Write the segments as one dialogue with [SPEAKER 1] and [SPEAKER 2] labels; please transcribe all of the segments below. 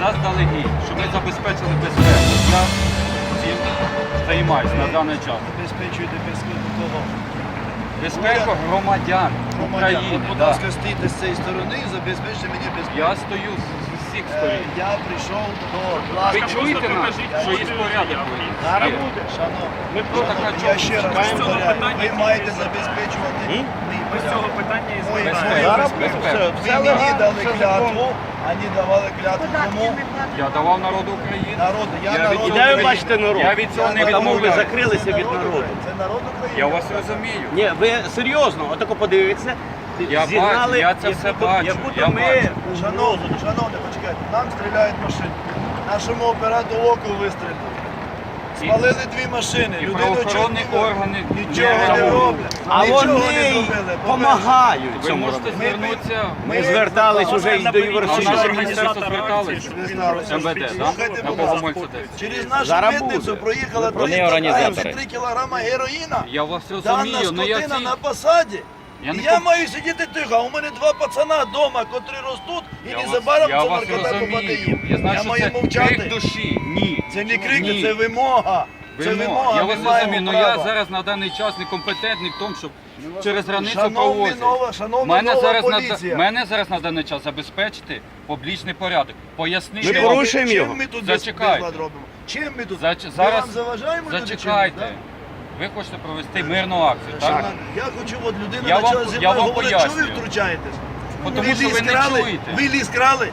[SPEAKER 1] заздалегідь, щоб ми забезпечили безпеку. Я цим займаюся на даний час.
[SPEAKER 2] Забезпечуєте безпеку кого?
[SPEAKER 1] Безпеку громадян України.
[SPEAKER 2] Будь
[SPEAKER 1] да.
[SPEAKER 2] ласка, стійте з цієї сторони і забезпечте мені безпеку.
[SPEAKER 1] Я стою з усіх сторін.
[SPEAKER 2] Я прийшов до
[SPEAKER 1] Ви
[SPEAKER 2] власного.
[SPEAKER 1] чуєте нас, що є порядок?
[SPEAKER 2] Зараз
[SPEAKER 1] Є.
[SPEAKER 2] буде, шановні.
[SPEAKER 1] Так, а
[SPEAKER 2] Я
[SPEAKER 1] чому?
[SPEAKER 2] ще раз повторяю, ви маєте забезпечувати мій порядок.
[SPEAKER 3] питання із
[SPEAKER 2] Мої
[SPEAKER 1] Зараз
[SPEAKER 2] безпеку. Ви мені дали клятву, вони давали клятву кому?
[SPEAKER 1] Я давав народу України.
[SPEAKER 2] Народу. Я
[SPEAKER 1] Я
[SPEAKER 2] народ
[SPEAKER 1] від-
[SPEAKER 4] Де ви
[SPEAKER 2] України.
[SPEAKER 4] бачите народ?
[SPEAKER 1] Я від цього не
[SPEAKER 4] Тому ви
[SPEAKER 1] відмовляю.
[SPEAKER 4] закрилися від народу.
[SPEAKER 2] Це народ України.
[SPEAKER 1] Я вас розумію.
[SPEAKER 4] Ні, ви серйозно, отако подивіться.
[SPEAKER 1] Я бачу, я це все бачу,
[SPEAKER 4] Як будто
[SPEAKER 1] я
[SPEAKER 4] ми...
[SPEAKER 1] бачу.
[SPEAKER 2] Шановні, почекайте, нам стріляють машини. Нашому оператору оку вистрілили. Спалили дві машини.
[SPEAKER 1] І
[SPEAKER 2] Людину
[SPEAKER 1] правоохоронні
[SPEAKER 2] чуть не-
[SPEAKER 1] органи
[SPEAKER 2] нічого не
[SPEAKER 1] реагують.
[SPEAKER 2] роблять.
[SPEAKER 4] А
[SPEAKER 2] Нічого не
[SPEAKER 4] вони
[SPEAKER 2] зробили.
[SPEAKER 4] допомагають
[SPEAKER 1] Ви
[SPEAKER 4] цьому
[SPEAKER 1] можете
[SPEAKER 4] робити.
[SPEAKER 1] звернутися.
[SPEAKER 4] Ми звертались уже і до
[SPEAKER 1] А в наше
[SPEAKER 4] Євросоюзу.
[SPEAKER 1] міністерство зверталися? МВД,
[SPEAKER 2] Слухайте,
[SPEAKER 1] так? На
[SPEAKER 2] будь ласка.
[SPEAKER 1] Богомольця 10.
[SPEAKER 2] Через нашу
[SPEAKER 4] Зараз
[SPEAKER 2] митницю
[SPEAKER 4] буде.
[SPEAKER 2] проїхала
[SPEAKER 4] Вони організатори.
[SPEAKER 2] 3 кілограма героїна.
[SPEAKER 1] Я вас
[SPEAKER 2] Дана
[SPEAKER 1] розумію, але я
[SPEAKER 2] скотина
[SPEAKER 1] ці...
[SPEAKER 2] на посаді.
[SPEAKER 1] Я
[SPEAKER 2] І
[SPEAKER 1] не
[SPEAKER 2] я
[SPEAKER 1] пом-
[SPEAKER 2] маю сидіти тихо, а у мене два пацана вдома, котрі ростуть, і
[SPEAKER 1] Я
[SPEAKER 2] незабаром
[SPEAKER 1] вас
[SPEAKER 2] ця наркота попаде
[SPEAKER 1] розумію.
[SPEAKER 2] їм.
[SPEAKER 1] Я знаю, що
[SPEAKER 2] маю
[SPEAKER 1] це
[SPEAKER 2] мовчати.
[SPEAKER 1] крик душі. Ні.
[SPEAKER 2] Це не крик,
[SPEAKER 1] Ні.
[SPEAKER 2] це вимога. Це вимога,
[SPEAKER 1] Я
[SPEAKER 2] ми
[SPEAKER 1] вас
[SPEAKER 2] маємо
[SPEAKER 1] розумію, але я
[SPEAKER 2] право.
[SPEAKER 1] зараз на даний час некомпетентний в тому, щоб через границю
[SPEAKER 2] Шановна
[SPEAKER 1] провозити.
[SPEAKER 2] нова поліція.
[SPEAKER 1] Мене зараз на даний час забезпечити публічний порядок. Пояснити
[SPEAKER 4] Ми
[SPEAKER 1] вам.
[SPEAKER 4] порушуємо
[SPEAKER 2] Чим
[SPEAKER 4] його.
[SPEAKER 2] ми тут
[SPEAKER 1] Зачекайте.
[SPEAKER 2] безлад робимо? Чим ми тут?
[SPEAKER 1] Зач-
[SPEAKER 2] Ми
[SPEAKER 1] зараз-
[SPEAKER 2] вам заважаємо люди
[SPEAKER 1] Зачекайте.
[SPEAKER 2] чимось,
[SPEAKER 1] Ви хочете провести мирну акцію,
[SPEAKER 2] да?
[SPEAKER 1] так?
[SPEAKER 2] Я хочу, от людина
[SPEAKER 1] Я вам-
[SPEAKER 2] почала зі
[SPEAKER 1] я
[SPEAKER 2] мною
[SPEAKER 1] вам
[SPEAKER 2] говорити, що ви
[SPEAKER 1] пояснюю.
[SPEAKER 2] втручаєтесь?
[SPEAKER 1] Тому що ви не
[SPEAKER 2] крали?
[SPEAKER 1] чуєте.
[SPEAKER 2] Ви ліс крали?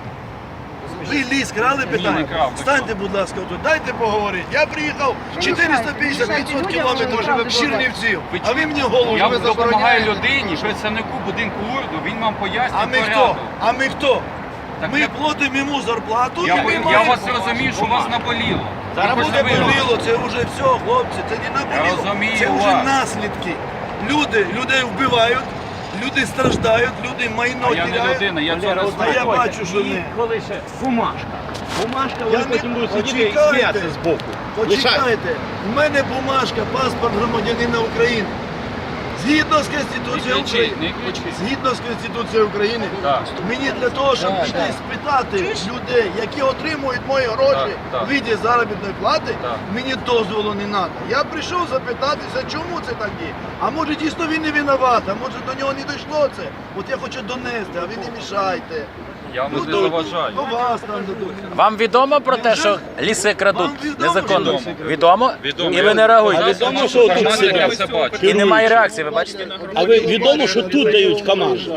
[SPEAKER 2] Ви ліс крали, питання?
[SPEAKER 1] не крав, не
[SPEAKER 2] Станьте,
[SPEAKER 1] крав.
[SPEAKER 2] будь ласка, тут, дайте поговорити. Я приїхав 450-500 кілометрів з Чернівців, а ви мені голову
[SPEAKER 1] Я
[SPEAKER 2] ви
[SPEAKER 1] допомагаю
[SPEAKER 2] забороняєте.
[SPEAKER 1] людині, представнику будинку урну, він вам пояснює
[SPEAKER 2] А ми хто?
[SPEAKER 1] порядок.
[SPEAKER 2] А ми хто?
[SPEAKER 1] Так
[SPEAKER 2] Ми
[SPEAKER 1] я-
[SPEAKER 2] платимо йому зарплату,
[SPEAKER 1] Я,
[SPEAKER 2] і ми
[SPEAKER 1] я
[SPEAKER 2] маємо...
[SPEAKER 1] вас розумію, що вас наболіло.
[SPEAKER 4] Зараз
[SPEAKER 1] Ви
[SPEAKER 2] Це
[SPEAKER 1] хочете вирвати.
[SPEAKER 2] боліло, це вже все, хлопці, це не наболіло.
[SPEAKER 1] розумію
[SPEAKER 2] Це вже
[SPEAKER 1] вас.
[SPEAKER 2] наслідки. Людей вбивають, люди страждають, люди майно
[SPEAKER 1] А я не
[SPEAKER 2] теряють.
[SPEAKER 1] людина, я цього не
[SPEAKER 2] А я
[SPEAKER 1] знаю.
[SPEAKER 2] бачу, що не.
[SPEAKER 4] Коли ще бумажка. Бумажка,
[SPEAKER 2] Я
[SPEAKER 4] вони
[SPEAKER 2] не-
[SPEAKER 4] потім будуть сидіти і
[SPEAKER 2] Почекайте.
[SPEAKER 4] сміятися з боку.
[SPEAKER 2] Почекайте, в мене бумажка, паспорт громадянина України. Згідно з Конституцією
[SPEAKER 1] Не кричіть,
[SPEAKER 2] України.
[SPEAKER 1] не кричіть.
[SPEAKER 2] Згідно з Конституцією України,
[SPEAKER 1] Так.
[SPEAKER 2] мені для того, щоб
[SPEAKER 1] Так,
[SPEAKER 2] піти
[SPEAKER 1] так.
[SPEAKER 2] спитати людей, які отримують мої гроші
[SPEAKER 1] Так, так.
[SPEAKER 2] в віді заробітної плати,
[SPEAKER 1] Так.
[SPEAKER 2] мені дозволу не треба. Я прийшов запитатися, чому це так є. А може дійсно він не винуват, а може до нього не дійшло це. От я хочу донести, а ви не мішайте.
[SPEAKER 1] Я вам не
[SPEAKER 2] до-
[SPEAKER 1] заважаю.
[SPEAKER 2] До вас там дадуть.
[SPEAKER 5] Вам відомо про те, що ліси крадуть
[SPEAKER 2] Вам відомо,
[SPEAKER 5] незаконно?
[SPEAKER 2] що ліси
[SPEAKER 5] Відомо?
[SPEAKER 1] Відомо.
[SPEAKER 5] І ви не реагуєте?
[SPEAKER 4] відомо, що тут
[SPEAKER 1] Інформація, я
[SPEAKER 4] сидять.
[SPEAKER 1] все бачу.
[SPEAKER 5] І немає реакції, ви бачите?
[SPEAKER 4] А ви відомо, що тут дають команду?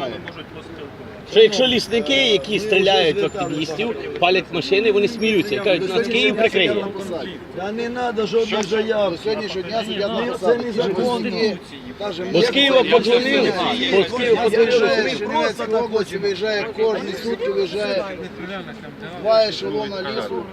[SPEAKER 4] Що якщо лісники, які стріляють в активістів, палять машини, вони сміються і кажуть, нас Київ прикриє.
[SPEAKER 2] Та не треба жодних заяв. Сьогоднішнього дня сидять це незаконно.
[SPEAKER 4] Бо з Києва подзвонили, бо з Києва подзвонили, що ми
[SPEAKER 2] Просто так
[SPEAKER 6] області виїжджає кожні сутки, виїжджає два ешелона лісу.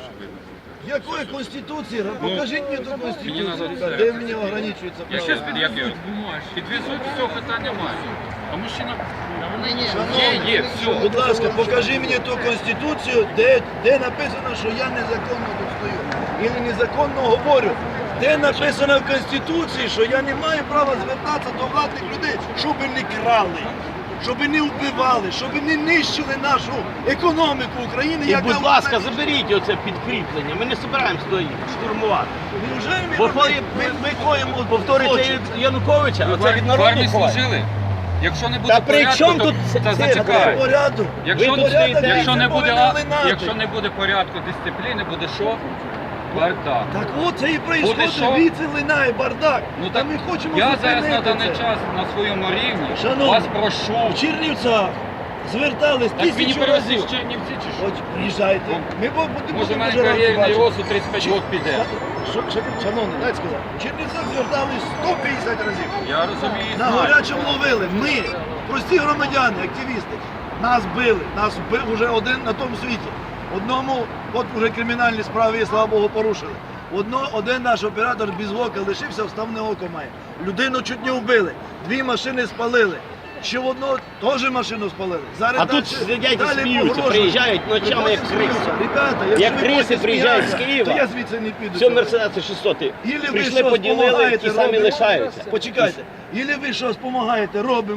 [SPEAKER 2] Якої конституції? Покажіть мені ту конституцію, де мені ограничується
[SPEAKER 1] Я
[SPEAKER 2] право.
[SPEAKER 1] щас підвезуть, все, питань немає. А мужчина...
[SPEAKER 2] Шановні,
[SPEAKER 1] Є, все.
[SPEAKER 2] будь ласка, покажи мені ту конституцію, де написано, що я незаконно тут стою. І незаконно говорю. Де написано в Конституції, що я не маю права звертатися до владних людей, щоб не крали, щоб не вбивали, щоб не нищили нашу економіку України.
[SPEAKER 4] І,
[SPEAKER 2] яка
[SPEAKER 4] будь
[SPEAKER 2] вона-
[SPEAKER 4] ласка, заберіть оце підкріплення. Ми не збираємося до їх штурмувати.
[SPEAKER 2] Невже ми,
[SPEAKER 4] Бо
[SPEAKER 2] ми коїмо
[SPEAKER 4] повторюється
[SPEAKER 2] злочин?
[SPEAKER 4] Януковича, оце від
[SPEAKER 1] В
[SPEAKER 4] народу
[SPEAKER 1] армії
[SPEAKER 4] ховає.
[SPEAKER 1] служили? Якщо не буде
[SPEAKER 4] Та при
[SPEAKER 1] порядку,
[SPEAKER 4] чому
[SPEAKER 1] то
[SPEAKER 4] тут
[SPEAKER 1] це
[SPEAKER 4] це
[SPEAKER 1] зачекає.
[SPEAKER 2] Порядок.
[SPEAKER 1] Якщо,
[SPEAKER 4] Ви тут стоїте,
[SPEAKER 1] якщо, не
[SPEAKER 2] це
[SPEAKER 1] буде,
[SPEAKER 2] повинно линати.
[SPEAKER 1] якщо не буде порядку, дисципліни, буде що? Бардак.
[SPEAKER 2] Так от це і
[SPEAKER 1] Буде
[SPEAKER 2] происходить,
[SPEAKER 1] що?
[SPEAKER 2] віці линає бардак.
[SPEAKER 1] Ну
[SPEAKER 2] Та
[SPEAKER 1] так
[SPEAKER 2] ми хочемо
[SPEAKER 1] я зараз на
[SPEAKER 2] зупинити
[SPEAKER 1] даний
[SPEAKER 2] це.
[SPEAKER 1] час на своєму рівні
[SPEAKER 2] Шановні,
[SPEAKER 1] вас прошу.
[SPEAKER 2] В Чернівцях звертались
[SPEAKER 1] Так мені
[SPEAKER 2] тисячу
[SPEAKER 1] перевезли
[SPEAKER 2] разів.
[SPEAKER 1] з Чернівці чи що?
[SPEAKER 2] От приїжджайте. Ми будемо
[SPEAKER 1] Може в мене
[SPEAKER 2] дуже раді
[SPEAKER 1] кар'єрний
[SPEAKER 2] бачити.
[SPEAKER 1] росту 35 років піде.
[SPEAKER 2] Шановний, дайте сказати, в Чернівцях звертались 150 разів.
[SPEAKER 1] Я розумію,
[SPEAKER 2] На
[SPEAKER 1] знаю.
[SPEAKER 2] гарячому ловили. Ми, прості громадяни, активісти, нас били. Нас бив вже один на тому світі. Одному, от вже кримінальні справи, слава Богу, порушили. Один наш оператор без ока лишився, вставне око має. Людину чуть не вбили. Дві машини спалили. Ще в одного теж машину спалили. Зараз
[SPEAKER 4] А тут сидять і сміються, приїжджають ночами як криси.
[SPEAKER 2] Ребята,
[SPEAKER 4] Як
[SPEAKER 2] якщо ви
[SPEAKER 4] криси
[SPEAKER 2] будете
[SPEAKER 4] приїжджають з
[SPEAKER 2] сміятися,
[SPEAKER 4] Києва.
[SPEAKER 2] то я звідси не піду.
[SPEAKER 4] Все Мерседеси 600
[SPEAKER 2] Ілі ви
[SPEAKER 4] прийшли,
[SPEAKER 2] щось
[SPEAKER 4] поділили,
[SPEAKER 2] допомагаєте,
[SPEAKER 4] ті самі
[SPEAKER 2] робимо.
[SPEAKER 4] лишаються.
[SPEAKER 2] Почекайте. Ілі ви щось допомагаєте, робимо,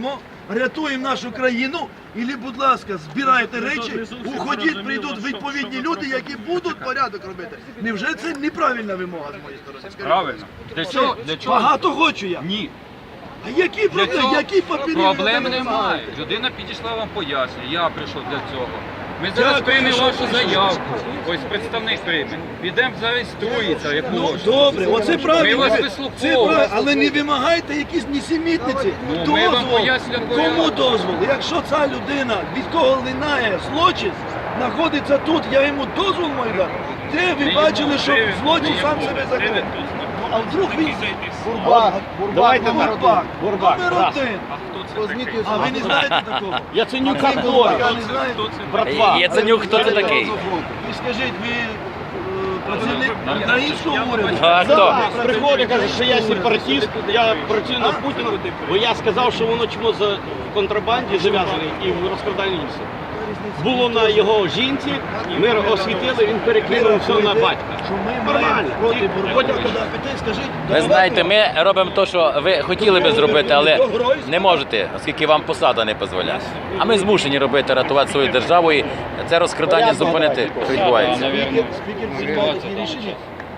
[SPEAKER 2] рятуємо нашу країну, і, будь ласка, збирайте речі, уходіть, прийдуть відповідні люди, які будуть порядок робити. Невже це неправильна вимога з моєї сторони? Скажіть,
[SPEAKER 1] Правильно. Для чого? Для чого?
[SPEAKER 2] багато хочу я.
[SPEAKER 1] Ні.
[SPEAKER 2] А які
[SPEAKER 1] Для
[SPEAKER 2] проблеми?
[SPEAKER 1] цього
[SPEAKER 2] Які папірі?
[SPEAKER 1] проблем
[SPEAKER 2] ви
[SPEAKER 1] немає.
[SPEAKER 2] вимагаєте?
[SPEAKER 1] Людина підійшла, вам пояснює. Я прийшов для цього. Ми зараз
[SPEAKER 2] Дякую,
[SPEAKER 1] приймемо
[SPEAKER 2] що
[SPEAKER 1] вашу
[SPEAKER 2] прийшли.
[SPEAKER 1] заявку. Ось представник прийме. Підемо зареєструється, як
[SPEAKER 2] Ну,
[SPEAKER 1] можна.
[SPEAKER 2] добре, оце правильно.
[SPEAKER 1] вас
[SPEAKER 2] Це
[SPEAKER 1] вислуховуємо.
[SPEAKER 2] правильно, але не вимагайте якісь нісімітниці.
[SPEAKER 1] Ну, ми вам
[SPEAKER 2] Дозвол.
[SPEAKER 1] пояснюємо
[SPEAKER 2] Кому
[SPEAKER 1] порядок.
[SPEAKER 2] дозвол? Якщо ця людина, від кого линає злочин, знаходиться тут, я йому дозвол маю дати. Де ви бачили, що злочин сам себе закрив? А вдруг він...
[SPEAKER 6] Бурбак,
[SPEAKER 4] Давайте
[SPEAKER 6] номер
[SPEAKER 2] Бурбак,
[SPEAKER 4] Бурбак,
[SPEAKER 2] номер
[SPEAKER 4] раз.
[SPEAKER 2] один.
[SPEAKER 6] Позвоніть
[SPEAKER 2] А ви не знаєте такого?
[SPEAKER 4] Яценюка
[SPEAKER 2] А ви
[SPEAKER 4] Боря,
[SPEAKER 2] Бурбака не знаєте?
[SPEAKER 4] братва.
[SPEAKER 5] Яценюк, хто це такий?
[SPEAKER 2] Ви скажіть, ви працівник українського уряду?
[SPEAKER 5] А хто?
[SPEAKER 4] Да, приходить, каже, що я сепаратист, я працюю на Путіна, бо я сказав, що воно чому в контрабанді зав'язане і в розкраданні лісу. Було на його жінці, ми освітили, він перекинув все на батька.
[SPEAKER 2] Що ми маємо проти Бурбака піти, скажіть.
[SPEAKER 5] Ви знаєте, ми робимо те, що ви хотіли би зробити, але не можете, оскільки вам посада не дозволяє. А ми змушені робити, рятувати свою державу і це розкрадання зупинити, що відбувається.
[SPEAKER 2] Спікер приймає такі рішення.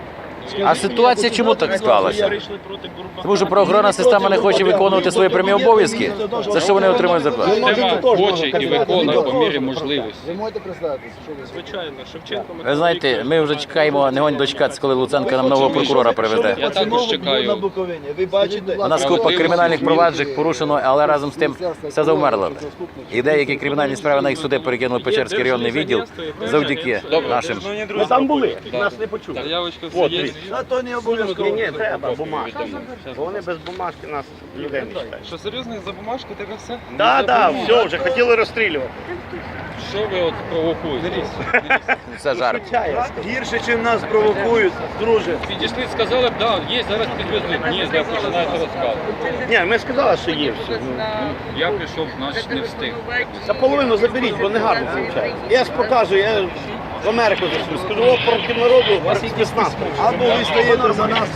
[SPEAKER 5] А ситуація чому так склалася? Тому що правоохоронна система не хоче виконувати свої прямі обов'язки, за що вони отримують зарплату.
[SPEAKER 3] Система хоче і виконує по мірі можливості.
[SPEAKER 6] Ви можете представитися, що ви?
[SPEAKER 3] Звичайно, Шевченко.
[SPEAKER 5] Ви знаєте, ми вже чекаємо, не гонь дочекатися, коли Луценко нам нового прокурора приведе.
[SPEAKER 3] Я також чекаю.
[SPEAKER 2] На Буковині. Ви бачите?
[SPEAKER 5] У нас купа кримінальних проваджень порушено, але разом з тим все завмерло. І деякі кримінальні справи на їх суди перекинули Печерський районний відділ завдяки нашим.
[SPEAKER 4] Ми там були, нас не почули.
[SPEAKER 3] Заявочка все
[SPEAKER 4] От,
[SPEAKER 3] є.
[SPEAKER 4] дивіться.
[SPEAKER 2] А то не обов'язково.
[SPEAKER 4] Ні, треба бумажки. Бо вони без бумажки нас людей не читають.
[SPEAKER 3] Що серйозно, за бумажки тебе все?
[SPEAKER 4] Так, так, все, вже хотіли розстрілювати.
[SPEAKER 3] Що ви от провокуєте?
[SPEAKER 5] Це жарт.
[SPEAKER 2] Гірше, чим нас провокують, друже.
[SPEAKER 3] Підійшли, сказали, б, да, є, зараз підвезуть. Ні, ви починаєте розказувати.
[SPEAKER 4] Ні, ми сказали, що є все.
[SPEAKER 3] Я прийшов, значить не встиг.
[SPEAKER 4] За половину заберіть, бо не гарно виходить. Я ж покажу, я в Америку зайшов. Скажу, о, проти народу, проти нас.
[SPEAKER 2] Або ви стаєте за нас.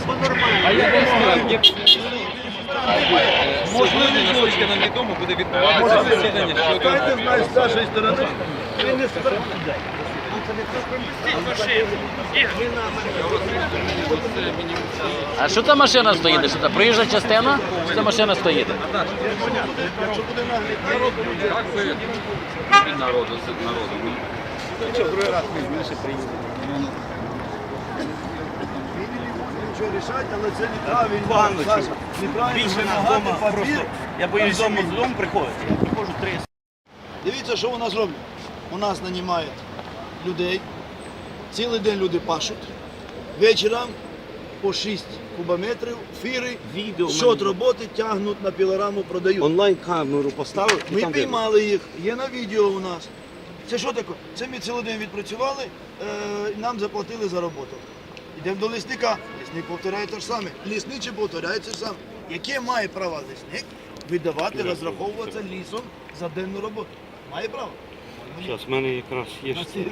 [SPEAKER 3] Можливо, наскільки нам відомо, буде відбуватися засідання щодо...
[SPEAKER 2] Дайте знати з нашої сторони. Ви не
[SPEAKER 5] А що та машина стоїть? Що та проїжджа частина? Що та машина стоїть?
[SPEAKER 2] Якщо буде наглядати,
[SPEAKER 3] Так ви від народу, з народу.
[SPEAKER 2] другий раз ми більше приїдемо. Нічого рішати, але це неправильно. Саша, неправильно вимагати папір.
[SPEAKER 4] Я боюсь, з дому приходити. Я приходжу 3.
[SPEAKER 2] Дивіться, що у нас роблять. У нас нанімають людей, цілий день люди пашуть, вечором по 6 кубометрів, фіри,
[SPEAKER 4] Відео
[SPEAKER 2] щот роботи тягнуть на пілораму, продають.
[SPEAKER 4] Онлайн-камеру поставив. і
[SPEAKER 2] Ми
[SPEAKER 4] там
[SPEAKER 2] піймали їх, є на відео у нас. Це що таке? Це ми цілий день відпрацювали, нам заплатили за роботу. Йдемо до лісника, лісник повторяє те ж саме, лісничий повторяє те ж саме. Яке має право лісник видавати, розраховуватися лісом за денну роботу? Має право?
[SPEAKER 4] Зараз, в мене якраз є.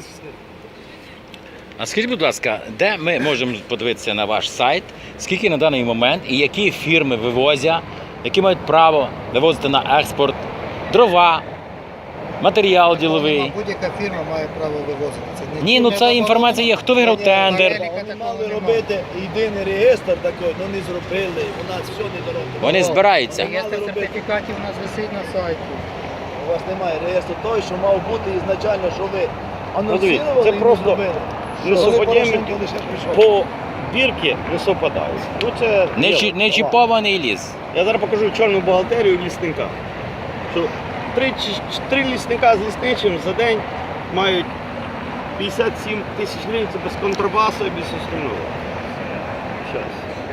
[SPEAKER 5] А скажіть, будь ласка, де ми можемо подивитися на ваш сайт, скільки на даний момент і які фірми вивозять, які мають право вивозити на експорт дрова, матеріал діловий?
[SPEAKER 6] Будь-яка фірма має право вивозити. Це не-
[SPEAKER 5] Ні, ну ця інформація є, хто виграв тендер.
[SPEAKER 2] Вони мали робити єдиний реєстр такий, але не зробили, у нас все не доробили.
[SPEAKER 5] Вони збираються.
[SPEAKER 6] Реєстр сертифікатів у нас висить на сайті.
[SPEAKER 2] У вас немає реєстру той, що мав бути ізначально, що ви
[SPEAKER 4] дивіться,
[SPEAKER 2] анонсували
[SPEAKER 4] це
[SPEAKER 2] і не
[SPEAKER 4] просто
[SPEAKER 2] зробили.
[SPEAKER 4] лісоподібні
[SPEAKER 2] Порошенко лише прийшов.
[SPEAKER 4] по бірки не совпадають. Ну, це
[SPEAKER 5] Не чіпований ліс.
[SPEAKER 4] Я зараз покажу чорну бухгалтерію лісника. Що три лісника з лісничим за день мають 57 тисяч гривень, це без контрабасу і без остального. Щас.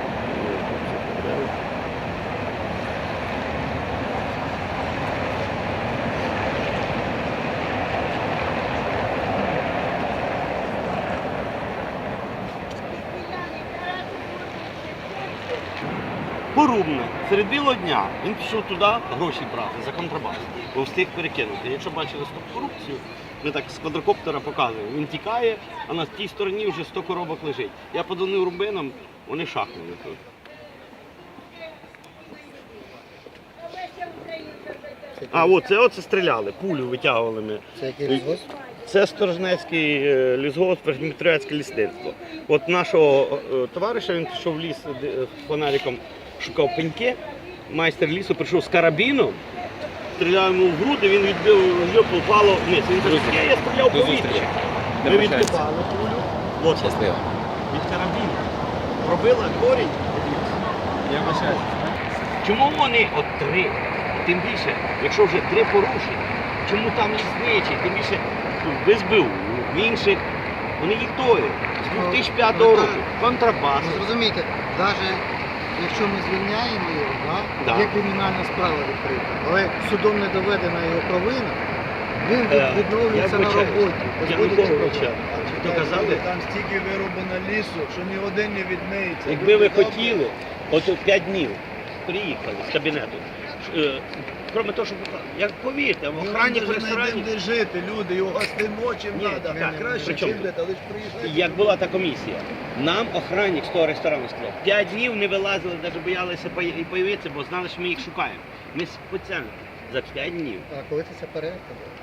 [SPEAKER 4] Порубне, серед білого дня він пішов туди гроші брати за контрабас, бо встиг перекинути. Якщо бачили стоп-корупцію, ми так з квадрокоптера показуємо, він тікає, а на тій стороні вже 100 коробок лежить. Я подзвонив рубинам, вони шахнули тут. А, оце стріляли, пулю витягували ми.
[SPEAKER 6] Це який лісгосп?
[SPEAKER 4] Це Сторожнецький лісгосп, Дмитрівецьке лісництво. От нашого товариша, він пішов в ліс з фонариком, шукав пеньки. Майстер лісу прийшов з карабіном, стріляв йому в груди, він відбив, його попало вниз. Він каже, я стріляв по вітрі. Ми відкопали пулю. От
[SPEAKER 5] Щасливо.
[SPEAKER 4] від карабіну. Пробила корінь.
[SPEAKER 1] Я вибачаюсь.
[SPEAKER 4] Чому вони от 3? Тим більше, якщо вже 3 порушення, чому там лісничі, тим більше в СБУ, в інших, вони їх тою. З 2005 року. Контрабас.
[SPEAKER 6] Ну, зрозумійте, навіть якщо ми звільняємо його,
[SPEAKER 4] Да.
[SPEAKER 6] є кримінальна справа відкрита, але судом не доведена його провина, він відновлюється
[SPEAKER 4] я
[SPEAKER 6] на
[SPEAKER 4] вибачаюсь.
[SPEAKER 6] роботі. без
[SPEAKER 4] Я
[SPEAKER 6] будь-яких
[SPEAKER 4] Януковича
[SPEAKER 6] проблем.
[SPEAKER 4] доказали.
[SPEAKER 2] Там стільки вироблено лісу, що ні один не відмиється.
[SPEAKER 4] Якби ви хотіли, от 5 днів приїхали з кабінету. Кроме того, що як повірте, в охрані в ресторані.
[SPEAKER 2] Де жити, люди, його гостимо чим
[SPEAKER 4] Ні,
[SPEAKER 2] треба.
[SPEAKER 4] так,
[SPEAKER 2] Краще
[SPEAKER 4] при чому
[SPEAKER 2] чим
[SPEAKER 4] тут?
[SPEAKER 2] де, але ж приїжджайте.
[SPEAKER 4] Як була та комісія, нам охранник з того ресторану сказав, 5 днів не вилазили, навіть боялися і появитися, бо знали, що ми їх шукаємо. Ми спеціально за 5 днів.
[SPEAKER 6] А коли це перевірка?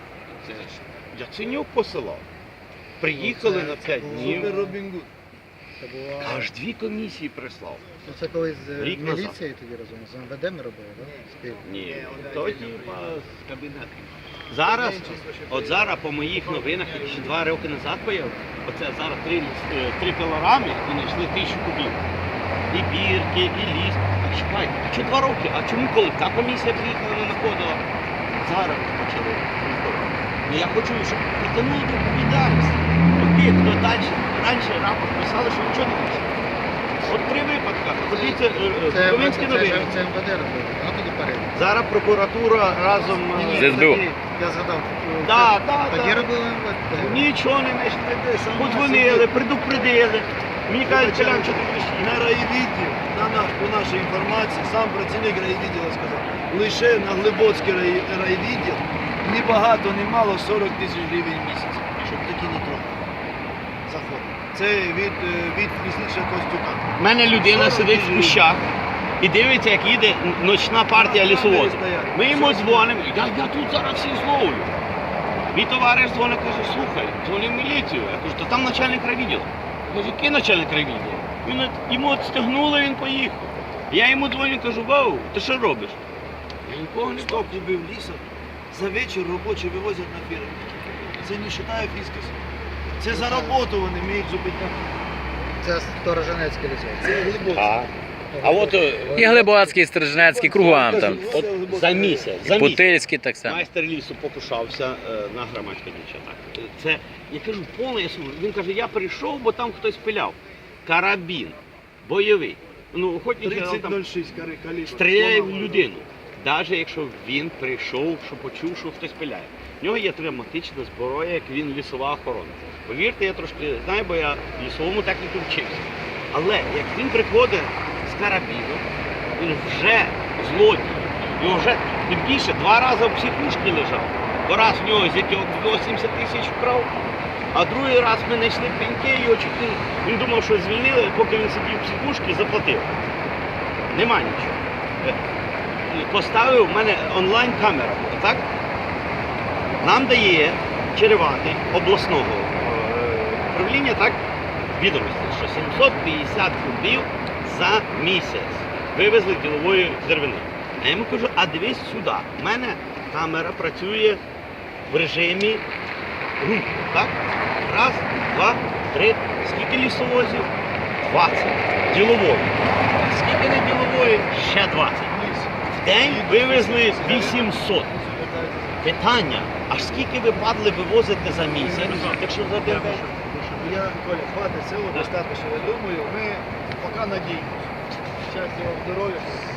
[SPEAKER 4] Яценюк посилав. Приїхали на 5 днів.
[SPEAKER 2] Супер Робін Гуд.
[SPEAKER 6] Це була...
[SPEAKER 4] Аж 2 комісії прислав.
[SPEAKER 6] Ну, це колись з
[SPEAKER 4] Рік назад.
[SPEAKER 6] міліцією тоді разом, з МВД ми робили, так? Спільно.
[SPEAKER 4] Ні, то типа з кабінету. Зараз, от зараз по моїх новинах, які ще 2 роки назад появилися, оце зараз 3 пилорами і знайшли 1000 кубів. І бірки, і ліс. А чекайте, а чому 2 роки? А чому коли та комісія приїхала, не знаходила? Зараз почали. Ну я хочу, щоб притягнули до відповідальності. От тих, хто далі, раніше рапорт писали, що нічого не пише. От 3 випадки. Подивіться, Ковінські новини.
[SPEAKER 6] Це МВД робили, а тоді перевірка.
[SPEAKER 4] Зараз прокуратура разом
[SPEAKER 5] З СБУ.
[SPEAKER 6] Я згадав, тоді
[SPEAKER 4] Да.
[SPEAKER 6] робили МВД.
[SPEAKER 4] Нічого не знайшли. Подзвонили, предупредили. Мені кажуть, Колян, що ти пишеш?
[SPEAKER 2] На райвідділ, по нашій інформації, сам працівник райвідділу сказав, лише на Глибоцький райвідділ ні багато, ні мало 40 тисяч гривень в місяць, щоб такі не трогали. Заходить. Це від лісничого Костюка.
[SPEAKER 4] У мене людина сидить в кущах і дивиться, як їде ночна партія лісовозів. Ми йому дзвонимо, я тут зараз всіх зловлю. Мій товариш дзвонить, каже, слухай, дзвони в міліцію. Я кажу, то там начальник райвідділу. Я кажу, який начальник райвідділу? Йому відстегнули, він поїхав. Я йому дзвоню, кажу, вау, ти що робиш? Я нікого не
[SPEAKER 2] 100 кубів лісу за вечір робочі вивозять на фірму. Це не вважає фіскас. Це за роботу вони, ми їх зупиняємо.
[SPEAKER 6] Це Сторожинецьке лісо.
[SPEAKER 2] Це глибоко.
[SPEAKER 4] А от
[SPEAKER 5] І Глибоцький, і Стрижнецький, кругом там.
[SPEAKER 4] от за місяць,
[SPEAKER 5] Путильський так само.
[SPEAKER 4] майстер лісу покушався на громадське дівчата. Це, я кажу, повне ясно. Він каже, я прийшов, бо там хтось пиляв. Карабін, бойовий. Ну, охотничий там
[SPEAKER 2] 30.06 калібр.
[SPEAKER 4] стріляє в людину. Навіть якщо він прийшов, що почув, що хтось пиляє. В нього є травматична зброя, як він лісова охорона. Повірте, я трошки знаю, бо я лісовому техніку вчився. Але як він приходить з карабіном, він вже злодій. Його вже тим більше 2 рази в психушці лежав. Бо раз в нього з якого 80 тисяч вкрав, а другий раз ми знайшли пеньки, його чуть не... Він думав, що звільнили, поки він сидів в психушці, заплатив. Нема нічого. Поставив в мене онлайн-камера, так? Нам дає Череватий обласного управління, так, відомості, що 750 кубів за місяць вивезли ділової деревини. А я йому кажу, а дивись сюди, в мене камера працює в режимі руху, так? Раз, 2, 3, скільки лісовозів? 20. Ділової. Скільки не ділової? Ще 20. В день вивезли 800. Питання, а скільки ви падли вивозите за місяць, якщо за день?
[SPEAKER 2] Я, Коля, хватить цього достатньо. Я думаю, ми поки надіємося. Щастя вам, здоров'я.